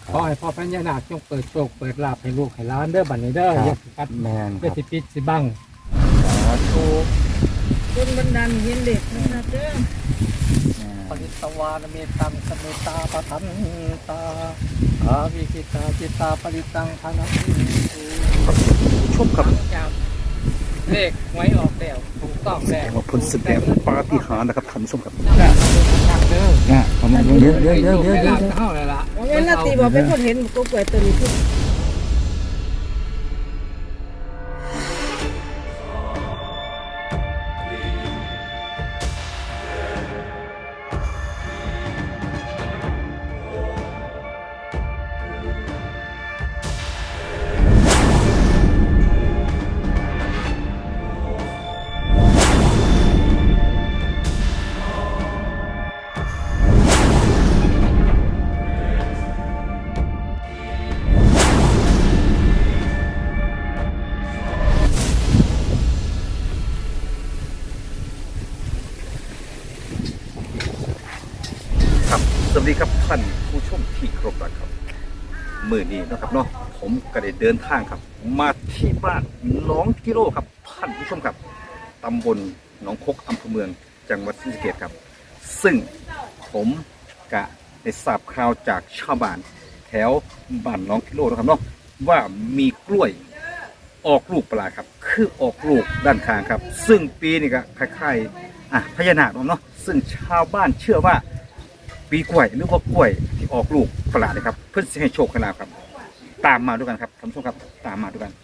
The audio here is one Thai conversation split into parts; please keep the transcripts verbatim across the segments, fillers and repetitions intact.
ขอให้พ่อพญานาคจงเปิดโชคเปิดลาภให้ลูกให้หลานเด้อบัดนี้เด้ออย่าสิกัดแมนคอย่ารับสิปิดสิบังสาธุคนบันดาลเห็นเด็กนะครับเด้อปริตวานเมตังสเมตาปะทันตาอาวิกิตาจิตาปริตังธนังชมครับเลขไว้ออกแล้วถูกต้องแล้วว่าผลแสดงปาฏิหาริย์นะครับท่านผู้ชมครับทางเด้อนะประมาณเยอะเยอะเยอะเยอะเยอะเท่าเลยล่ะเอาเวลาตีบอกเป็นคนเห็นก็เกิดตัวนี้ขึ้นครับสวัสดีครับท่านผู้ชมที่เคารพรักครับมื้อนี้นะครับเนาะผมก็ได้เดินทางครับ มาที่บ้านหนองกิโลครับท่านผู้ชมครับตำบลหนองคกอำเภอเมืองจังหวัดศรีสะเกษครับซึ่งผมกะได้ทราบข่าวจากชาวบ้านแถวบ้านหนองกิโลนะครับเนาะว่ามีกล้วยออกลูกประหลาดครับคือออกลูกด้านข้างครับ ซึ่งปีนี้ก็คล้ายๆอ่ะพญานาคเนาะซึ่งชาวบ้านเชื่อว่าปีกล้วยหรือว่ากล้วยที่ออกลูกประหลาดนะครับเพื่อจะให้โชคให้ลาภครับ ตามมาด้วยกันครับท่านผู้ชมครับตามมาด้วยกัน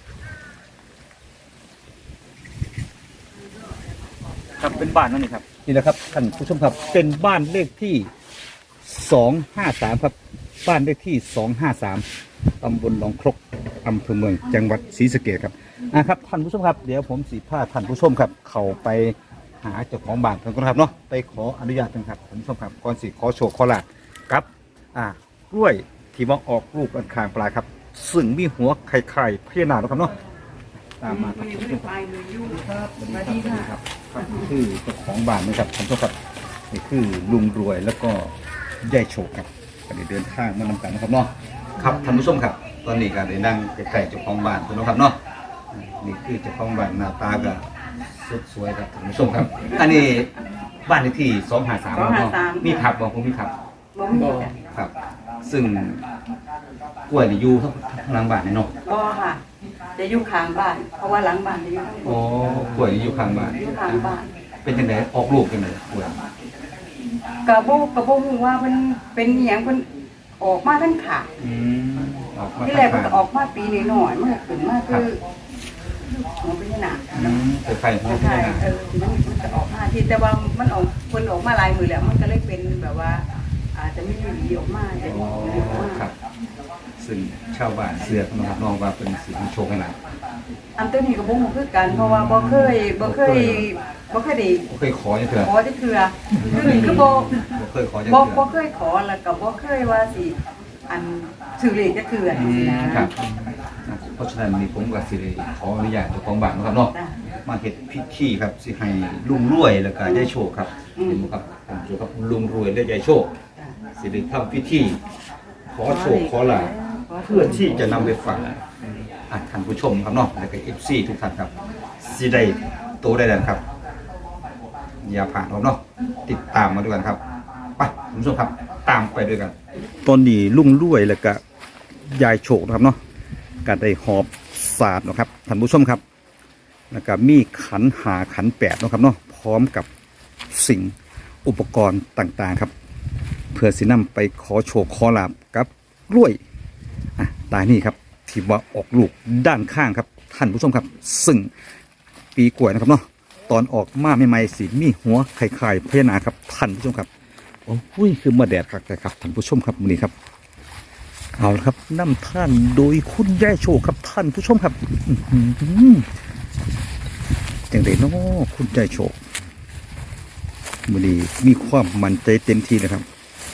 ครับเป็นบ้านนั่นนี่ครับนี่แหละครับท่านผู้ชมครับเป็นบ้านเลขที่สองห้าสามครับบ้านเลขที่สองห้าสามตำบลหนองครกอำเภอเมืองจังหวัดศรีสะเกษครับอ่ะครับท่านผู้ชมครับเดี๋ยวผมสีผ้าท่านผู้ชมครับเข้าไปหาเจ้าของบ้านกันก่อนครับเนาะไปขออนุญาตกันครับท่านผู้ชมครับก่อนสิขอโชคขอลาภครับอ่ากล้วยที่ว่าออกลูกอันคางปลายครับซึ่งมีหัวไข่ไข่พญานาคนะครับเนาะตามมาครับท่านผู้ชมครับสวัสดีครับสวัสดีครับครับคือเจ้าของบ้านนะครับท่านผู้ชมครับนี่คือลุงรวยแล้วก็ยายโชคครับก็ได้เดินทางมานำกันนะครับเนาะครับท่านผู้ชมครับตอนนี้ก็ได้นั่งใกล้ๆเจ้าของบ้านคุณนะครับเนาะนี่คือเจ้าของบ้านหน้าตาก็สุดสวยครับท่านผู้ชมครับ อันนี้บ้านเลขที่สองห้าสามเนาะมีผักบอกผมมีผักบ่มีจ้ะครับ ซึ่งกล้วยนี่อยู่ข้างหลังบ้านนี่เนาะก็ค่ะจะอยู่ข้างบ้าน เพราะว่าหลังบ้านจะอยู่ข้างบโอ้นกล้วยนี่อยู่ข้างบ้านอยู่ข้างบ้านเป็นจังไดออกลูกจังไดกล้วยกระโบกระโบฮู้ว่ามันเป็นอหย่างมันออกมาทั้งขาอืมออกมาที่แรกมันข้างก็ออกมาปีนิดหน่อยมันก็ขึ้นมาคือหัวเป็นหนาๆอืมเป็นไข่ของใช่พี่นะเออมันมันจะออกมาที่แต่ว่ามันออกคนออกมาหลายมือแล้วมันก็เลยเป็นแบบว่า อาจจะไม่มีหวีออกมาจะอ๋มีอหวีออกมาครับ ซึ่งชาวบ้านเสือกนะครับน้องว่าเป็นสีโชคให้หลานอันตัวนี้ก็บ่ฮู้คือกันเพราะว่าบ่เคยบ่เคยบ่เคยได้บ่เคยขอจังเถื่อขอจะคือคือนี่คือบ่บ่เคยขอจังบ่เถื่อบ่เคยขอแล้วก็บ่เคยว่าสิอันถือเลขจะคืออันอืนี้มนะครับเพราะฉะนั้นนี่ผมก็สิได้ขออนุญาตเจ้าของบ้านนะครับเนาะจ้ะมาเฮ็ดพิธีครับสิให้ลุงรวยแล้วก็ยายโชคครับอืมเห็นบ่ครับผมโชคครับลุงรวยและยายโชคจ้ะสิได้ทำพิธีขอโชคขอลาภเพื่อที่จะนำไปฝากอ่ะท่านผู้ชมครับเนาะแล้วก็ เอฟ ซี ทุกท่านครับสิได้โตได้แล้วครับ อย่าผ่านครับเนาะติดตามมาด้วยกันครับไปท่านผู้ชมครับตามไปด้วยกันตอนนี้ลุงรวยแล้วก็ยายโชคนะครับเนาะก็ได้หอบศาสตร์นะครับท่านผู้ชมครับแล้วก็มีขันหาขันแปดนะครับเนาะพร้อมกับสิ่งอุปกรณ์ต่างๆครับ เพื่อสินำไปขอโชคขอลาบกับกล้วยอ่ะตายนี่ครับที่ว่าออกลูกด้านข้างครับท่านผู้ชมครับซึ่งปีกล้วยนะครับเนาะตอนออกมาใหม่ๆสีมีหัวไข่ๆพญานาคครับท่านผู้ชมครับโอ้ยคือมาแดดครับแต่ครับท่านผู้ชมครับมื้อนี้ครับเอาละครับนำท่านโดยคุณยายโชคครับท่านผู้ชมครับอื้อหือจังไดเนาะคุณยายโชคมื้อนี้มีความมั่นใจเต็มที่นะครับ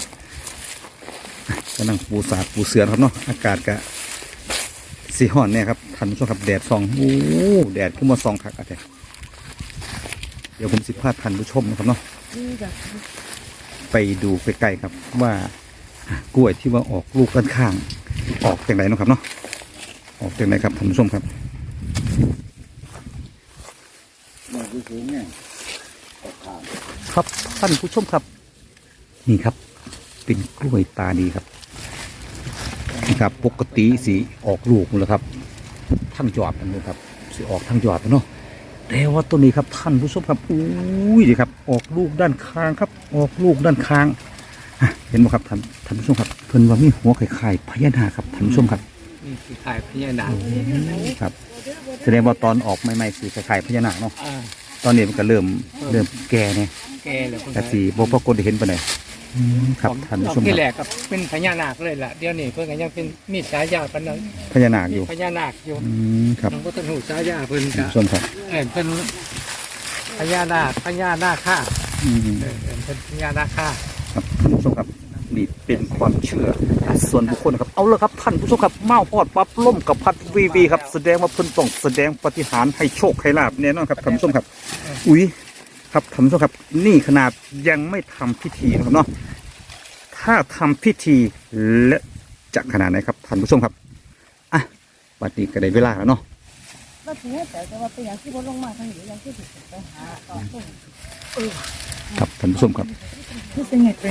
กำลังปูสาดปูเสือครับเนาะอากาศกะสีห่อนเนี่ยครับท่านผู้ชมครับแดดส่องโอ้แดดขึ้นมาส่องคักอะไรเดี๋ยวผมสิพาท่านผู้ชมนะครับเนาะนี่จ้ะไปดูใกล้ๆครับว่ากล้วยที่ว่าออกลูกด้านข้างออกจากไหนเนาะครับเนาะออกจากไหนครับท่านผู้ชมครับครับท่านผู้ชมครับนี่ครับเป็นกล้วยตาดีครับนี่ครับปกติสีออกลูกเลยครับทั้งยอดมันเลยครับสีออกทั้งยอดเนาะแต่ว่าตัวนี้ครับท่านผู้ชมครับอุ้ยดีครับออกลูกด้านข้างครับออกลูกด้านข้างเห็นไหมครับท่านท่านผู้ชมครับเพิ่นว่ามีหัวไข่ไข่พญานาคครับท่านผู้ชมครับนี่คือขายพญานาคครับแสดงว่าตอนออกใหม่ๆสีไข่ไข่พญานาคเนาะอ่าตอนนี้มันก็เริ่มเริ่มแก่เนี่ยแกเลยคนแต่สีบ่ปรากฏได้เห็นปานใดครับท่านผู้ชมที่คแรรับกก็เป็นพญานาคเลยล่ะเดี๋ยวนี้เพิ่นก็ยังเป็นมีฉายาปานนั้นพญานาคอยู่พญานาคอยู่อืมครับมันก็ต้องหูฉายาเพิ่นท่านก็ผู้ชมครับเออเพิ่นพญานาคพญานาคค่าอืมเออเออเพิ่นพญานาคค่าครับท่านผู้ชมครับนี่เป็นความเชื่อส่วนบุคคลนะครับเอาละครับท่านผู้ชมครับเมาพอดปั๊บล่มกับพัดวีวีครับแสดงว่าเพิ่นต้องแสดงปาฏิหาริย์ให้โชคให้ลาบแน่นอนครับท่านผู้ชมครับอุ้ยครับท่านผู้ชมครับนี่ขนาดยังไม่ทำพิธีนะครับเนาะถ้าทำพิธีและจะขนาดไหนครับท่านผู้ชมครับอ่ะบัดนี้ก็ได้เวลาแล้วเนาะว่าถือแต่ว่าเป็นอย่างที่บ่ลงมาทางนี้อย่างที่ถูกไปหาต่อต้นครับท่านผู้ชมครับที่เป็นไงเป็น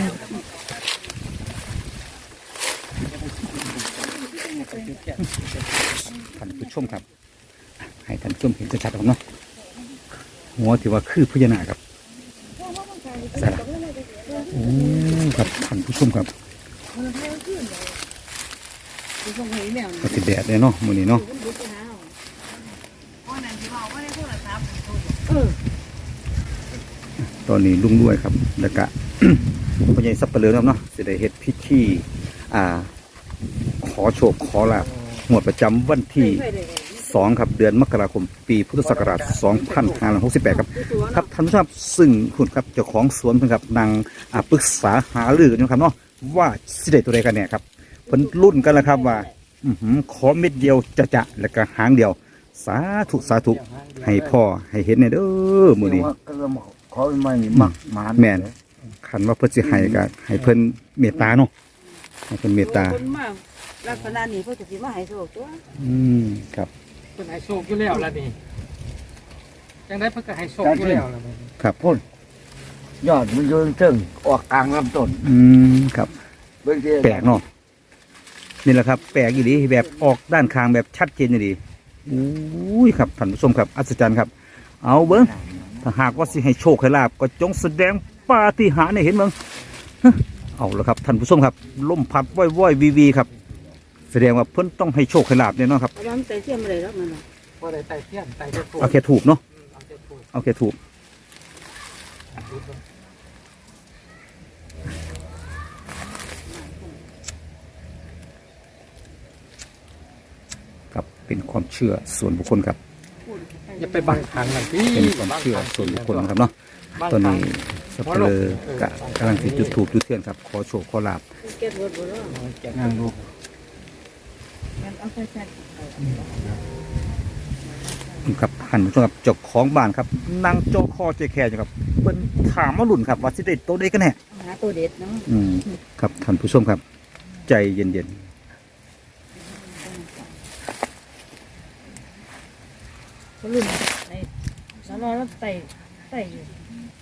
ท่านผู้ชมครับให้ท่านผู้ชมเห็นชัดๆครับเนาะหัวที่ว่าคือพญานาคครับใส่ละโอ้ครับท่านผู้ชมครับคือส่งให้แมวก็ติดแดดเลยเนาะมื้อนี้เนาะอ๋อนั่นที่ว่าว่าได้โทรศัพท์เออตอนนี้ลุงด้วยครับแล้วก็ พ่อใหญ่สับปะเลอครับเนาะสิได้เฮ็ดพิธีอ่า ขอโชคขอลาภงวดประจำวันที่สองครับเดือนมกราคมปีพุทธศักราชสองพันห้าร้อยหกสิบแปดครับครับท่านผู้ชมครับซึ่งคุณครับเจ้าของสวนเพิ่นครับนางอ่าปรึกษาหารือกันอยู่ครับเนาะว่าสิได้ตัวใดกันเนี่ยครับเพิ่นรุ่นกันแล้วครับว่าอื้อหือขอเม็ดเดียวจะจะแล้วก็หางเดียว สาธุสาธุให้พ่อให้เห็นเนี่ยเด้อมื้อนี้ขอไม่มักหมานแม่นคันว่าเพิ่นสิให้ก็ให้เพิ่นเมตตาเนาะให้เพิ่นเมตตาคนมาลักษณะนี้เพิ่นจะสิมาให้โชคตัวอืมครับเพิ่นให้โชคอยู่แล้วล่ะนี่จังได๋เพิ่นก็ให้โชคอยู่แล้วล่ะครับพ่นยอดมันโยนเชิงออกกลางลำต้นอืมครับเบิ่งทีแปลกเนาะนี่แหละครับ แปลกอีหลีแบบออกด้านข้างแบบชัดเจนอีหลีอุ้ยครับท่านผู้ชมครับอัศจรรย์ครับ เอาเบิ้งถ้าหากว่าสิให้โชคให้ลาบก็จงแสดงปาฏิหาริย์ให้เห็นเบิ้งฮะเอาละครับท่านผู้ชมครับลมพัดว่อยว่อยวีวีครับ แสดงว่าเพิ่นต้องให้โชคให้ลาบแน่นอนครับเอาน้ำใส่เทียมอะไรแล้วมันน่ะบ่ได้ไต่เทียมไต่ได้ถูกเอาแค่ถูกเนาะเอาแต่ถูกเอาแค่ถูกครับเป็นความเชื่อส่วนบุคคลครับอย่าไปบังคับมันพี่เป็นความเชื่อส่วนบุคคลนะครับเนาะตอนนี้สับเปลือกะกำลังติดจุดถูกจุดเทียนครับขอโชคขอลาบเก็บรถบ่เนาะเก็บงานลูกงั้นเอาใส่ใส่ครับหันผู้ชมครับเจ้าของบ้านครับนั่งโจอคอเจแคร์อยู่ครับเพิ่นถามมาหลุ่นครับว่าสิได้โตได้กันแน่หาตัวเด็ดเนาะอืมครับท่านผู้ชมครับ ใจเย็นก็ลุ่มในสารแล้วใส่ใส่อยู่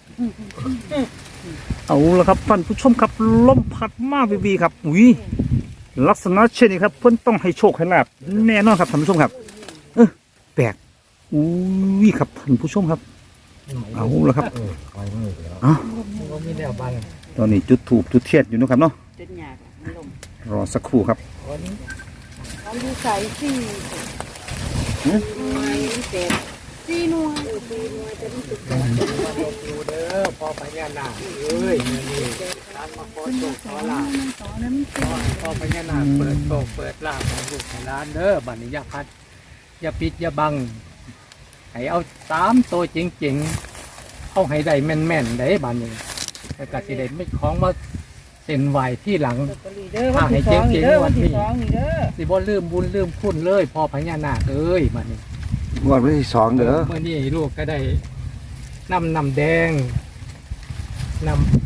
ๆเอาละครับท่านผู้ชมครับลมพัดมาวีวีครับอุ้ยลักษณะเช่นนี้ครับเพิ่นต้องให้โชคให้ลาบแน่นอนครับท่านผู้ชมครับ เออแปลกอุ้ยครับท่านผู้ชมครับ เอาละครับคอยมือแล้วอ๋อบ่มีแนวบังตอนนี้จุดถูกจุดเทียนอยู่นะครับเนาะจนหยาบมันลงรอสักครู่ครับวันนี้เอาดูใส่สี่หน่วยเศษสี่หน่วยสี่หน่วยจะมันตุกกันมาลงดูเด้อพอพญานาคเอ้ยมื้อนี้ตามมาขอโชคขอลาภมันต่อนั้นมันขอให้พ่อพญานาคเปิดโชคเปิดลาภของลูกให้หลานเด้อบัดนี้อย่าพัดอย่าปิดอย่าบังให้เอาสามตัวจริงๆเอาให้ได้แม่นๆได้บัดนี้แล้วก็สิได้ไม่ของมาเส้นไหวที่หลังลอตเตอรี่เด้อวันที่สองนี่เด้อวันที่สองนี่เด้อสิบ่ลืมบุญลืมคุณเลยพ่อพญานาคเอ้ยบัดนี้งวดวันที่สองเด้อเมื่อนี้ลูกก็ได้นำน้ำแดงนำ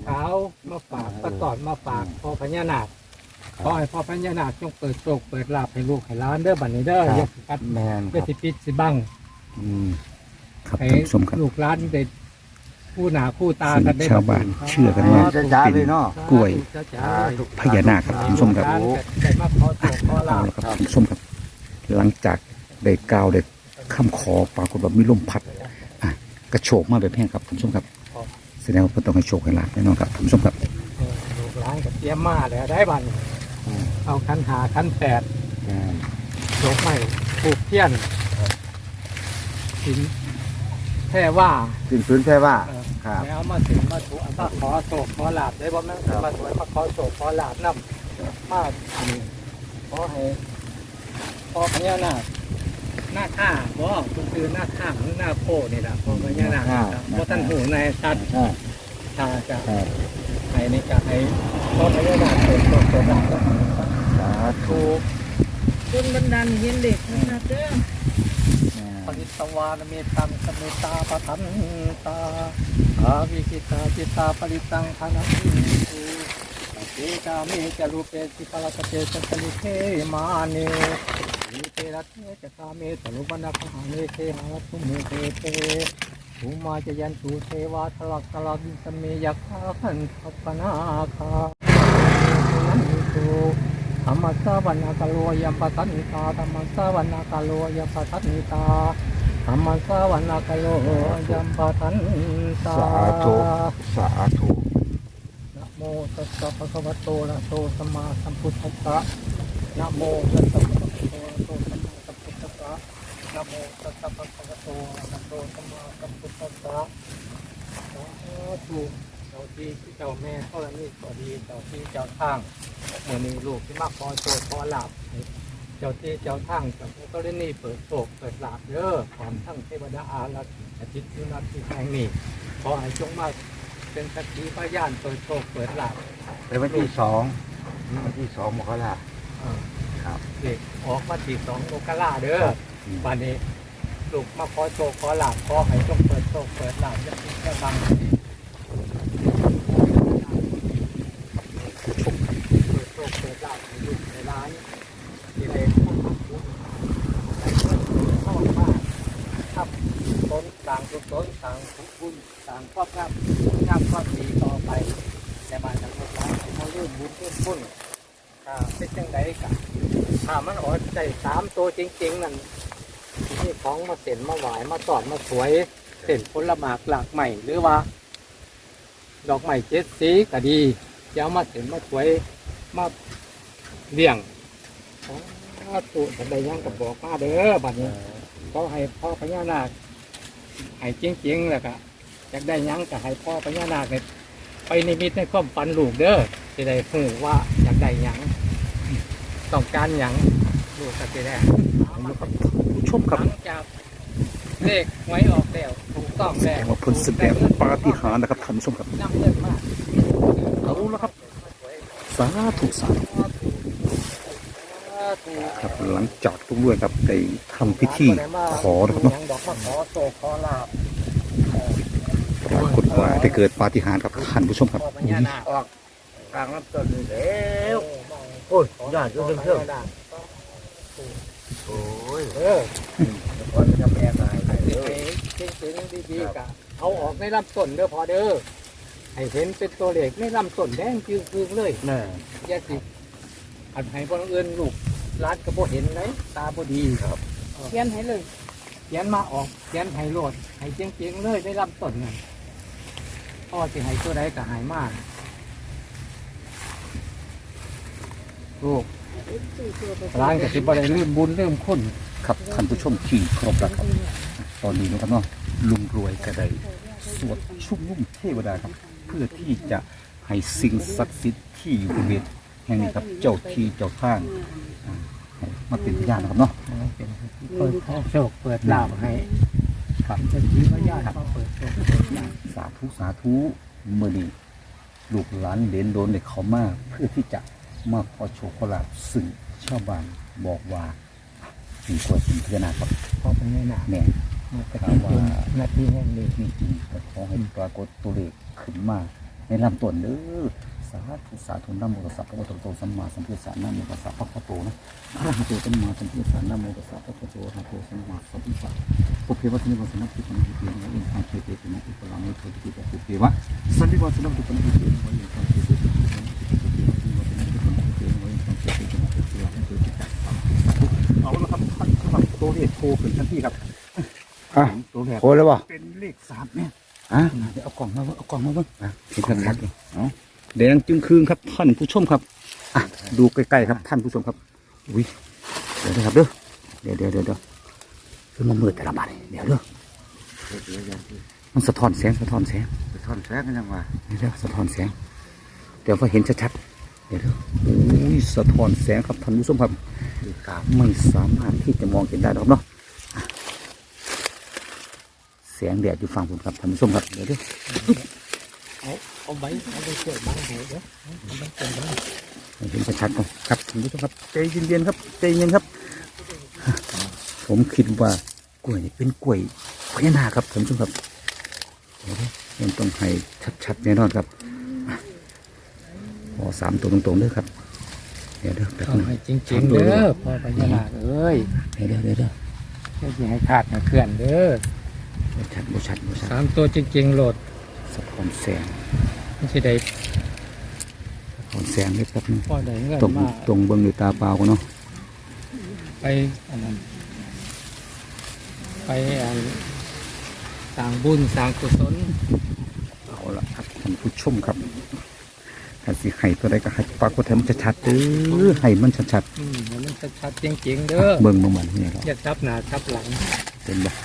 ขาวมาฝากประกอบมาฝากพ่อพญานาคขอให้พ่อพญานาคจงเปิดโชคเปิดลาภให้ลูกให้หลานเด้อบัดนี้เด้ออย่าสิกัดแมนคอย่ารับสิปิดสิบังอืมครับให้ท่านผู้ชมครับลูกหลานได้คู่หน้าคู่ตากันได้ซึ่งชาวบ้านเชื่อกันว่าจะจ้าเลยเนาะกล้วยจ้าๆเลยพญานาคครับท่านผู้ชมครับได้มาขอโชคขอลาเอาภละครับท่านผู้ชมครับ หลังจากได้กล่าวได้คำขอปรากฏว่ามีลมพัดอ่ะกระโชกมาแบบแห้งครับท่านผู้ชมครับแสดงว่าเพิ่นต้องให้โชคให้ลาภแน่นอนครับท่านผู้ชมครับเออลูกหลานก็เตรียมมาแล้วได้บัดนี้เอาคันหาคันแปดแมนดอกไม้ปลูกเทียนหินแท่ว่าถึงพื้นแค่ว่าเออครับแล้วมาถึงมาถูกมาขอโศกขอลาบได้บ่แม่นมาสวยมาขอโศกขอลาบนำมาอันนี้ขอให้พอพญานาคหน้าข้าบ่คุณคือหน้าข้าหรือหน้าโพนี่ล่ะพอพญานาคครับบ่ท่านหูในชัดอ่าชาจะครับให้นี่ก็ให้พอพญานาคเปิดโศกเปิดลาบสาธุถูกจนบันดาลเห็นเด็กนะครับเด้อปริตวานเมตังสเมตาปทันตาอาวิกิตาจิตาปริตังธนังสุเตกาเมจรูปเปสิปะละกะเตสัสลิเทมาเนวิเตระเทจกาเมตลุบันดาคหาเนเทหาตุเมเตเตภูมาจยันตุเทวาทลักตลักสเมยักขาขันทัปนาคานันตุธรรมสาวันากาโลยัมปทันนิตาธรรมสาวันากาโลยัมปทันนิตาธรรมสาวันากาโลยัมปทันตาสาธุสาธุนะโมตัสสะภะคะวะโตอะระหะโตสัมมาสัมพุทธัสสะนะโมตัสสะภะคะวะโตอะระหะโตสัมมาสัมพุทธัสสะนะโมตัสสะภะคะวะโตอะระหะโตสัมมาสัมพุทธัสสะสาธุเจ้าที่เจ้าแม่ธรณีก็ดีเจ้าที่เจ้าทางเมื่อนี้ลูกที่มาขอโชคขอลาภเจ้าที่เจ้าทางเจ้าธรณีเปิดโชคเปิดลาภเด้อพร้อมทั้งเทวดาอารักษ์อาทิตย์ยุนัทที่แห่งนี้ขอให้จงมาเป็นสักขีพยานเปิดโชคเปิดลาภเป็นวันที่สองวันที่สองมกราเออครับเด็กออกมาที่สองโลกาลาเด้อวันนี้ลูกมาขอโชคขอลาภขอให้จงเปิดโชคเปิดลาภจะติดจะบังเปิดโชคเปิดลาภให้ลูกในร้านที่ได้ทำบุญได้เงินเข้ามาทำต้นต่างกุศลต่างบุญต่างความงามงามความดีต่อไปในบ้านทั้งหมดร้านให้เขาเริ่มบุญเริ่มบุญอ่าเป็นจังไดกันถ้ามันออกใจสามตัวจริงๆนั่นนี่ของมาเส้นมาหวายมาตอดมาสวยเส้นผลหมากหลากใหม่หรือว่า ดอกไม้เจ็ดสีก็ดีจะเอามาเส้นมาสวยมาเลี้ยงตัวแต่ใดยังก็บอกมาเด้อบัดนี้เขาให้พ่อพญานาคให้จริงๆแล้วก็อยากได้หยังก็ให้พ่อพญานาคเนี่ยไปนิมิตในความฝันลูกเด้อจะได้หูว่าอยากได้หยังต้องการหยังลูกก็จะได้ผู้ชมหครับลังจากเลขไว้ออกแล้วถูกต้องแสแล้วดงว่าเพิ่นแสดงปาฏิหาริย์นะครับท่านผู้ชมครับนำเงินมาเอาละครับ สาธุสาธุครับหลังจากทุกเรื่องครับได้ทำพิธีขอนะครับเนาะยังบอกว่าขอโศกขอลาบปรากฏว่าได้เกิดปาฏิหาริย์ครับท่านผู้ชมครับพ่อพญานาคออกกลางลำต้นนี่แล้วโอ้ยยอดจนเทิงโอ้ยเออคนจะแปลงอะไรให้เลยจริงๆดีๆกะเอาออกในลำต้นเด้อพอเด้อให้เห็นเป็นตัวเลขในลำต้นแดงจืดๆเลยน่ะอย่าสิอันให้บ่เอื่นลูกร้านก็บ่เห็นเลยตาบ่ดีครับเขียนให้เลยเขียนมาออกเขียนให้โลดให้จริงๆเลยในลำต้นนั่นพ่อสิให้ตัวใดก็ให้มาลูกร้านก็สิบ่ได้ลืมบุญลืมคุณครับท่านผู้ชมที่เคารพรักครับตอนนี้นะครับเนาะลุงรวยก็ได้สวดชุมนุมเทวดาครับ เพื่อที่จะให้สิ่งศักดิ์สิทธิ์ที่อยู่บริเวณแห่งนี้ครับเจ้าที่เจ้าทางอ่าให้มาเป็นพยานนะครับเนาะเป็นเปิดโชคเปิดลาภให้ครับจะชี้ว่าญาติเขาเปิดโชคเปิดลาภสาธุสาธุเมื่อนี้ลูกหลานเหลนโดนเด็กเขามาเพื่อที่จะมาขอโชคขอลาภซึ่งชาวบ้านบอกว่ามีกว่าเป็นพญานาคครับพอเป็นไงหนาแน่มันจะเป็นนาทีแห่งนี้นี่จริงแต่ขอให้ปรากฏตัวเลขขึ้นมาในลำต้นเด้อสาธุสาธุนะโมตัสสะภะคะวะโตสัมมาสัมพุทธัสสะนะโมตัสสะภะคะวะโตนะอะระหะโตสัมมาสัมพุทธัสสะนะโมตัสสะภะคะวะโตอะระหะโตสัมมาสัมพุทธัสสะปุเพวะสันนิวาสนะปุพพะนิเตนะอินทางเทเตนะอุปลามิโตติปุเพวะสันนิวาสนะปุพพะนิเตนะอินทางเทเตนะเอาละครับท่านสำหรับตัวเลขโทรขึ้นทันทีครับอ่ะตัวแรกโอ้แล้วบ่เป็นเลขสามเนี่ยอ่ะเดี๋ยวเอากล่องมาเบิ่งเอากล่องมาเบิ่งอ่ะเห็นของชันัดกๆเอาแดงจึงคืนครับท่านผู้ชมครับอ่ะดูใกล้ๆครับท่านผู้ชมครับอุ้ยเดี๋ยวนะครับเด้อเดี๋ยวเดี๋ยวเดี๋ยวเดี๋ยวคือมันมืดแต่ละบาทนี่เดี๋ยวเด้อมันสะท้อนแสงสะท้อนแสงไปทอนแท้กันยังว่าเดี๋ยวเดี๋ยวสะท้อนแสงเดี๋ยวพอเห็นชัดๆเดี๋ยวเด้ออุ้ยสะท้อนแสงครับท่านผู้ชมครับดีกราบไม่สามารถที่จะมองเห็นได้หรอกเนาะอ่ะแสงแดดอยู่ฝั่งผมครับท่านผู้ชมครับเดี๋ยวเด้อเอาเอาใบเอาใบเกี่ยวบังให้เด้อเอาใบเกี่ยวบังให้เห็นชัดๆก่อนครับท่านผู้ชมครับใจเย็นๆครับใจเย็นครับ ผมคิดว่ากล้วยนี่เป็นกล้วยพญานาคครับท่านผู้ชมครับเดี๋ยวนะมันต้องให้ชัดๆแน่นอนครับอ่ะขอสามตัวตรงๆเด้อครับเดี๋ยวเด้อแป๊บเอานึงให้จริงๆเด้อพ่อพญานาคเอ้ยเดี๋ยวเดี๋ยวเดี๋ยวเดี๋ยวไม่สิให้ขาดนะเคลื่อนเด้อบ่ชัดบ่ชัดบ่ชัดสามตัวจริงๆโหลดสะท้อนแสงไม่ใช่ได้สะท้อนแสงนิดแป๊บนึงพ่อได้เงินตรงมาตรงเบิ้งด้วยตาเปล่ากันเนาะไปอันนั้นไปอันสร้างบุญสร้างกุศลเอาละครับท่านผู้ชมครับถ้าสิให้ตัวใดก็ให้ปรากฏให้มันชัดๆเด้อให้มันชัดอืมให้มันชัดๆจริงๆๆเด้อเบิ้งมาเหมือนนี่ครับอย่าทับหน้าทับหลังเป็นบ่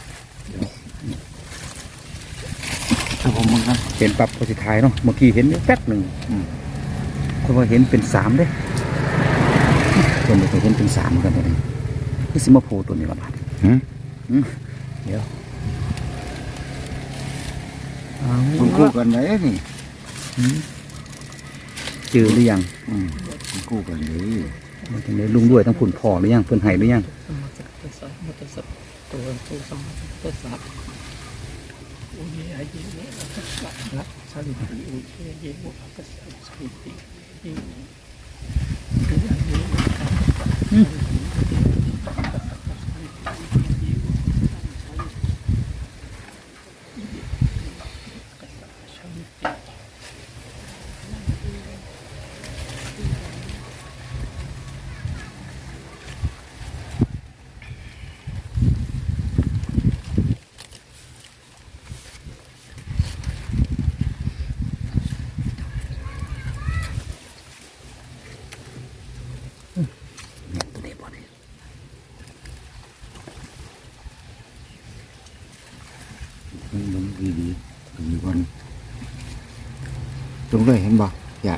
ถ้าผมมึงครับเห็นปรับโพสิทายเนาะเมื่อกี้เห็นแป๊บหนึ่งอืมคนว่าเห็นเป็นสามเด้คนบอกว่าเห็นเป็นสามเหมือนกันตัวนี้นี่สิมาโพตัวนี้ละบาทหืมอืมเดี๋ยวเอาคุณคู่กันไหนนี่อืมเจอหรือยังอืมคุณคู่กันเลยมันจะได้ลุงด้วยทั้งผุนพ่อหรือยังเพิ่นไห้หรือยังมัตตสัพมัตตสัพตัวตัวสมัตตสัพอุเยอาเยเนอัตตสัพนะสันติอุเยเยโมอัตตสัพสันติอุเยอาเยโมอัตตสัพสันติเนี่ยตัวนี้บ่เนี่ยมึงดีดีดีก่อนตรงเลยเห็นบ่อย่า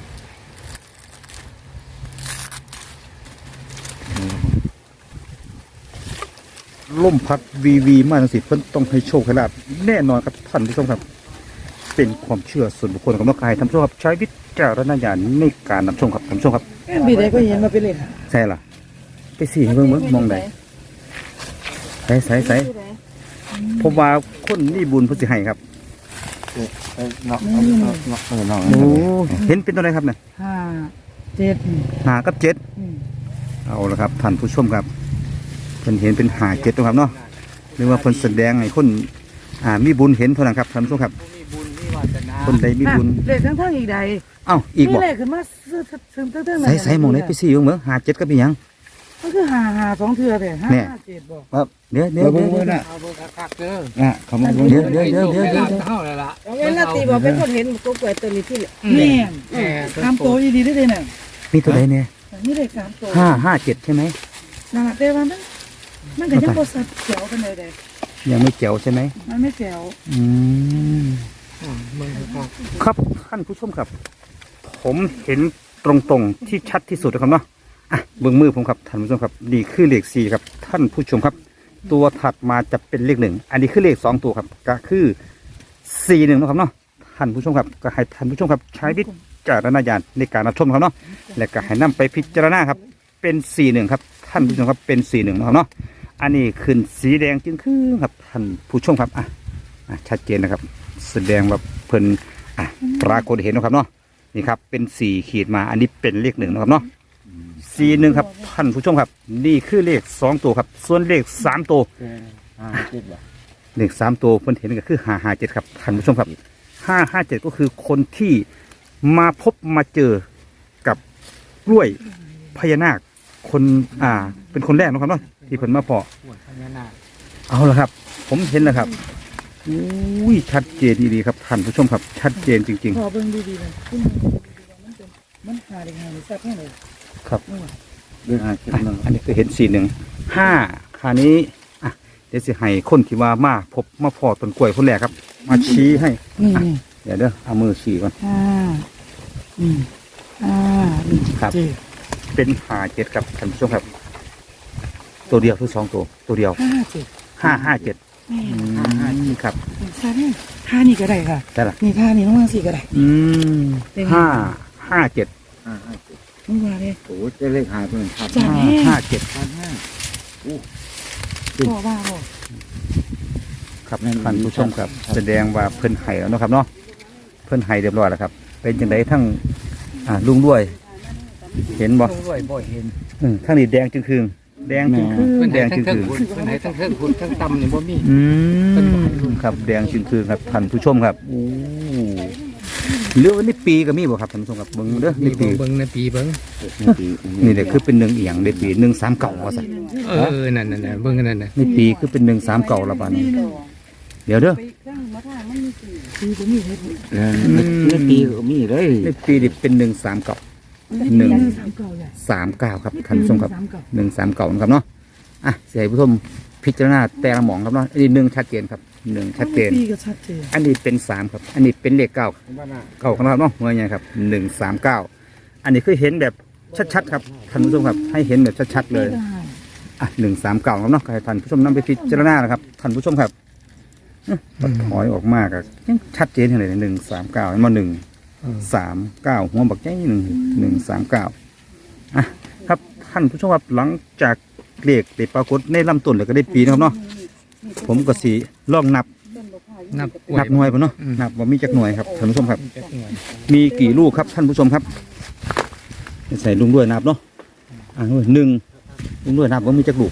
ลมพัดวีวีมาจังสิเพิ่นต้องให้โชคให้ลาบแน่นอนครับท่านผู้ชมครับ เป็นความเชื่อส่วนบุคคลของนักกายท่านผู้ชมครับใช้วิจารณญาณในการรับชมครับท่านผู้ชมครับบีได้ก็เห็นมาเป็นเล่นใช่ล่ะไปสี่ให้เบิ่งเบิ่งมองได้ใส่ใส่ใส่ผมว่าคนนี่บุญเพิ่นสิให้ครับเออเนาะเนาะเนาะเออเนาะโอ้เห็นเป็นตัวใดครับเนี่ยห้าเจ็ดหากับเจ็ดเอาละครับท่านผู้ชมครับเพิ่นเห็นเป็นหาเจ็ดตัวครับเนาะหรือว่าเพิ่นแสดงให้คนอ่ามีบุญเห็นเท่านั้นครับท่านผู้ชมครับผู้มีบุญมีวาสนาคนใดมีบุญเลขทั้งทั้งอีกใดเอ้าอีกบ่เลขขึ้นมาซื้อซื้อตั้งแต่ใส่ใส่หมองไหนไปสี่เบิ่งเบิ่งหาเจ็ดก็เป็นหยังก็คือหาหาสองเทือแต่ห้าเนี่ยเจ็ดบอกครับเดี๋ยวเดี๋ยวเบิ่เดี๋ยวงเบิ่งน่ะเอาเบอร์คักๆเด้ออ่ะเขามาเบิ่งเดี๋ยวเดี๋ยวเดี๋ยวเดี๋ยวเดี๋ยวเท่าเลยล่ะเอางั้นนาตีบอกเป็นคนเห็นตัวกล้วยตัวนี้ที่แม่แม่ทำตัวดีๆได้เลยเนี่ยมีตัวใดเนี่ยนี่เลขสามตัวห้าห้าเจ็ดใช่ไหมน่าแต่ว่ามันมันก็ยังบ่สัดแจ๋วกันเลยเด้ยังไม่เจ๋วใช่ไหมมันไม่แจ๋วอืมมึงครับครับท่านผู้ชมครับ ผมเห็นตรงๆที่ชัดที่สุดนะครับเนาะอ่ะเบื้องมือผมครับท่านผู้ชมครับนี่คือเลขสี่ครับท่านผู้ชมครับ ตัวถัดมาจะเป็นเลขหนึ่งอันนี้คือเลขสองตัวครับก็คือสี่หนึ่งนะครับเนาะท่านผู้ชมครับก็ให้ท่านผู้ชมครับใช้วิจารณญาณในการรับชมครับเนาะและก็ให้นำไปพิจารณาครับเป็นสี่หนึ่งครับท่านผู้ชมครับเป็นสี่หนึ่งนะครับเนาะอันนี้ขึ้นสีแดงจึงคือครับท่านผู้ชมครับอ่ะอ่ะชัดเจนนะครับ แสดงว่าเพิ่นอ่ะปรากฏเห็นนะครับเนาะนี่ครับเป็นสี่ขีดมาอันนี้เป็นเลขหนึ่งนะครับเนาะสี่หนึ่งครับท่านผู้ชมครับนี่คือเลขสองตัวครับส่วนเลขสามตัวห้าเจ็ดบ่เลขสามตัวเพิ่นเห็นก็คือห้าห้าเจ็ดครับท่านผู้ชมครับห้าห้าเจ็ดก็คือคนที่มาพบมาเจอกับกล้วยพญานาคคนอ่าเป็นคนแรกนะครับเนาะที่เพิ่นมาเพาะปวดพญานาคเอาละครับ ผมเห็นแล้วครับอุ้ยชัดเจนดีๆครับท่านผู้ชมครับ ชัดเจนจริงพอเบิ่งดีๆเลยขึ้นมันเป็นมันหาได้หาได้แซ่บแน่เลยๆ ครับเรื่องห้าเจ็ดอ่ะหนึ่งอันนี้ก็เห็นสี่หนึ่งห้าคราวนี้อ่ะเดี๋ยวสิให้คนที่ว่ามาพบมาพอต้นกล้วยคนแรกครับ มาชี้ให้นี่อ่ะนี่เดี๋ยวเด้อเอามือชี้ก่อนห้านี่ห้านี่ครับเจ็ดเป็นหาเจ็ดครับท่านผู้ชมครับ ตัวเดียวคือสองตัว ตัวเดียวห้าเจ็ดห้าห้าเจ็ดแม่อืมครับท่านี่ท่านี่ก็ได้ค่ะได้ละนี่ท่านี่น้องมาสี่ก็ได้อืมเป็นไงห้าห้าเจ็ดห้าห้าเจ็ดน้องมาเลยโอ้จะเลขหายไปหนึ่งครับจ้ะห้าห้าเจ็ดพันห้าพ่อว่าพ่อครับท่านผู้ชมครับ แสดงว่าเพิ่นไห้แล้วเนาะครับเนาะเพิ่นไห้เรียบร้อยแล้วครับ เป็นจังไดทั้งอ่าลุงด้วย เห็นบ่ลงด้วยบ่เห็นอืมทั้งนี้แดงจึงคืงแดงจึงคืเพิ่งนแดให้งทั้จึงงเทิคืงงคุณเพิ่นให้ทั้งเทิงคุณทั้งต่ำนี่บ่มีอืมครับแดงจึงคืงครับท่านผู้ชมครับโอ้เหลือวันนี้ปีก็มีบ่ครับท่านผู้ชมครับเบิ่งเด้อมีนี่ปีเบิ่งในปีเบิ่งนี่เด็กคือเป็นหนึ่งเอียงในปีหนึ่งสามเก่าว่าซะเออนั่นๆๆเบิ่งนั่นน่ะนี่ปีคือเป็นหนึ่งสามเก่าละบาดนี้เดี๋ยวเด้อไปเครื่องมาทางมันมีสี่สี่ผมมีเฮ็ดเออไม่ปีก็มีเลยในปีนี่เป็นหนึ่งสามเก่า หนึ่งสามเก่าใหญ่สามเก้าครับท่านผู้ชมครับสามเก่าหนึ่งสามเก่านะครับเนาะอ่ะเสียให้ผู้ชมพิจารณาแต่ละหมองครับเนาะอันนี้หนึ่งชัดเจนครับหนึ่งชัดเจนปีก็ชัดเจนอันนี้เป็นสามครับ อันนี้เป็นเลขเก้าเก้าครับเนาะเมื่อไงครับหนึ่งสามเก้าอันนี้คือเห็นแบบชัดๆครับท่านผู้ชมครับให้เห็นแบบชัดๆเลยได้อ่ะหนึ่งสามเก้าครับเนาะให้ท่านผู้ชมนำไปพิจารณานะครับท่านผู้ชมครับอื้อปัดถอยออกมากอะยังชัดเจนเลยหนึ่งสามเก้าอันมาหนึ่งสามเก้าหัวบักใจหนึ่งหนึ่งสามเก้าอ่ะครับท่านผู้ชมครับหลังจากเลขได้ปรากฏในลำต้นแล้วก็ได้ปีนะครับเนาะผมก็สีลองนับนับกล้วยนับหน่วยป่ะเนาะอืมนับว่ามีจักหน่วยครับท่านผู้ชมครับจักหน่วยมีกี่ลูกครับท่านผู้ชมครับใส่ลุงด้วยนับเนาะอ่าหนึ่งลุงด้วยนับว่ามีจักลูก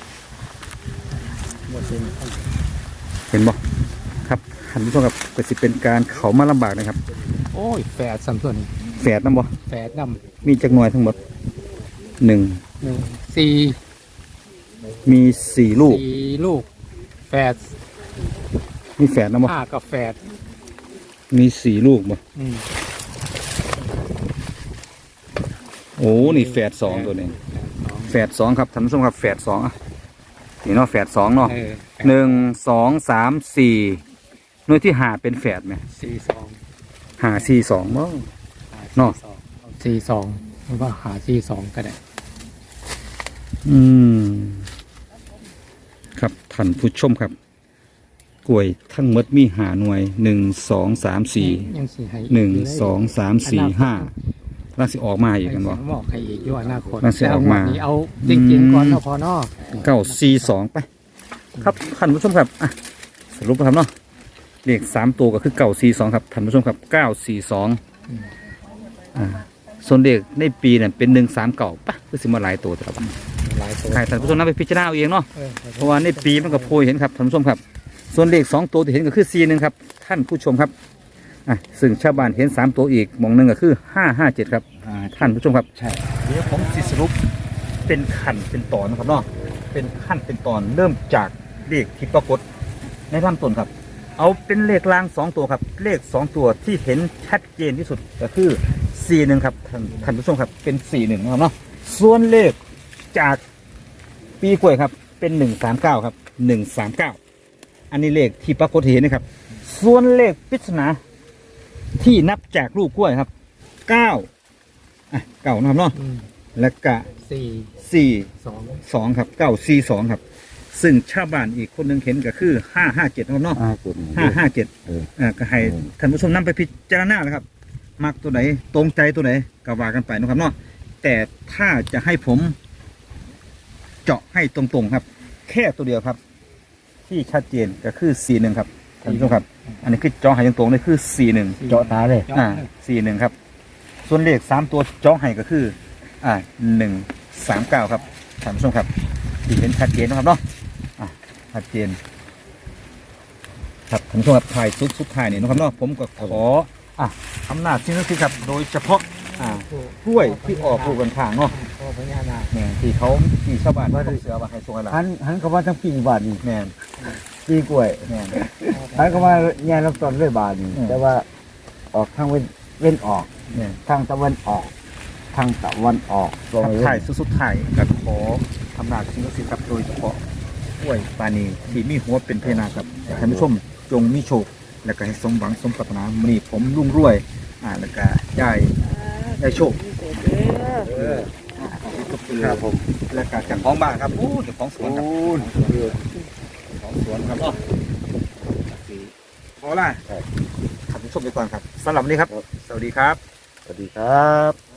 บ่เห็นเห็นบ่ครับท่านผู้ชมครับก็สิเป็นการเขามาลำบากนะครับโอ้ยแฝดสามตัวนี่แฝดนํบ่แฝดนำมีจักหน่วยทั้งหมดหนึ่งหนึ่งสี่มีสี่ลูกสี่ลูกแฝดมีแฝดนํบ่ห้ากับแฝดมีสี่ลูกบ่อืมโอ้นี่แฝดสองตัวนี้แฝดสองครับท่านผู้ชมครับแฝดสองอ่ะนี่เนาะแฝดสองเนาะเออหนึ่งสองสามสี่หน่วยที่หาเป็นแฝดไหมสี่สองหาสี่สองบ่ เนาะสี่สองหรือว่าหาสี่สองก็ได้อืมครับท่านผู้ชมครับกล้วยทั้งหมดมีหาหน่วยหนึ่งสองสามสี่ยังสี่ให้หนึ่งสองสามสี่ห้าแล้วสิออกมาอีกกันบ่บอกให้อีกอยู่อนาคตมันสิออกมาแต่วันนี้เอาจริงๆก่อนเนาะพอเนาะเก้าสี่สองไป ครับท่านผู้ชมครับอ่ะสรุปนะครับเนาะเลขสามตัวก็คือเก้าสี่สองครับท่านผู้ชมครับเก้าสี่สองอ่าส่วนเลขในปีเนี่ยเป็นหนึ่งสามเก่าปะคือสิมาหลายตัวแต่ละวันหลายตัวใครท่านผู้ชมนำไปพิจารณาเอาเองเนาะเออเพราะว่าในปีมันก็โพยเห็นครับท่านผู้ชมครับ ส่วนเลขสองตัวที่เห็นก็คือสี่หนึ่งครับท่านผู้ชมครับอ่ะซึ่งชาวบ้านเห็นสามตัวอีกหมองหนึ่งก็คือห้าห้าเจ็ดครับอ่าท่านผู้ชมครับใช่เดี๋ยวผมสิสรุปเป็นขั้นเป็นตอนนะครับเนาะเป็นขั้นเป็นตอนเริ่มจากเลขที่ปรากฏในลำต้นครับ เอาเป็นเลขล่างสองตัวครับ เลขสองตัวที่เห็นชัดเจนที่สุดก็คือสี่หนึ่งครับท่านท่านผู้ชมครับเป็นสี่หนึ่งนะครับเนาะส่วนเลขจากปีกล้วยครับเป็นหนึ่งสามเก้าครับหนึ่งสามเก้าอันนี้เลขที่ปรากฏเห็นนะครับ ส่วนเลขปริศนาที่นับจากลูกกล้วยครับเก้าอ่ะเก้านะครับเนาะอืมและกะสี่สี่สองสองครับเก้าสี่สองครับ ซึ่งชาวบ้านอีกคนหนึ่งเห็นก็คือห้าห้าเจ็ดนะครับเนาะห้าเจ็ดห้าห้าเจ็ดเอออ่าก็ให้ท่านผู้ชมนำไปพิจารณานะครับ มักตัวไหนตรงใจตัวไหนก็ว่ากันไปนะครับเนาะแต่ถ้าจะให้ผม เจาะให้ตรงๆครับ แค่ตัวเดียวครับ ที่ชัดเจนก็คือสี่หนึ่งครับท่านผู้ชมครับ อันนี้คือเจาะให้ตรงๆเลยคือสี่หนึ่งเจาะตาเลยอ่าสี่หนึ่งครับ ส่วนเลขสามตัวเจาะให้ก็คือ อ่าหนึ่งสามเก้าครับท่านผู้ชมครับที่เห็นชัดเจนนะครับเนาะอ่ะชัดเจน ครับท่านผู้ชมครับถ่ายสุดสุดท้ายนี่นะครับเนาะผมก็ขออ่ะอำนาจสิ่งศักดิ์สิทธิ์ครับโดยเฉพาะอ่ากล้วยที่ออกลูกกันข้างเนาะพ่อพญานาคแม่นที่เขาที่ชาวบ้านเขาเสือว่าให้ส่งอะไรหันหันเข้ามาทั้งปีบาทนี่แม่นปีกล้วยแม่นหันเข้ามาแง่ลำต้นด้วยบาทนี่อืมแต่ว่าออกทางเว้นเว้นออกแม่นทางตะวันออกทางตะวันออกลงทักไปทายสุดสุดท้ายกับขออำนาจสิ่งศักดิ์สิทธิ์ครับโดยเฉพาะกล้วยปานีที่มีหัวเป็นเพนาครับให้ท่านผู้ชมจงมีโชคและก็ให้สมหวังสมปรารถนามื้อนี้ผมรุ่งรวยอ่าแล้วก็ได้ได้โชคเออครับผมและก็เจ้าของบ้านครับโอ้เจ้าของสวนครับโอ้ยของสวนครับเนาะขอล่ะท่านผู้ชมไปก่อนครับสำหรับวันนี้ครับ สวัสดีครับสวัสดีครับ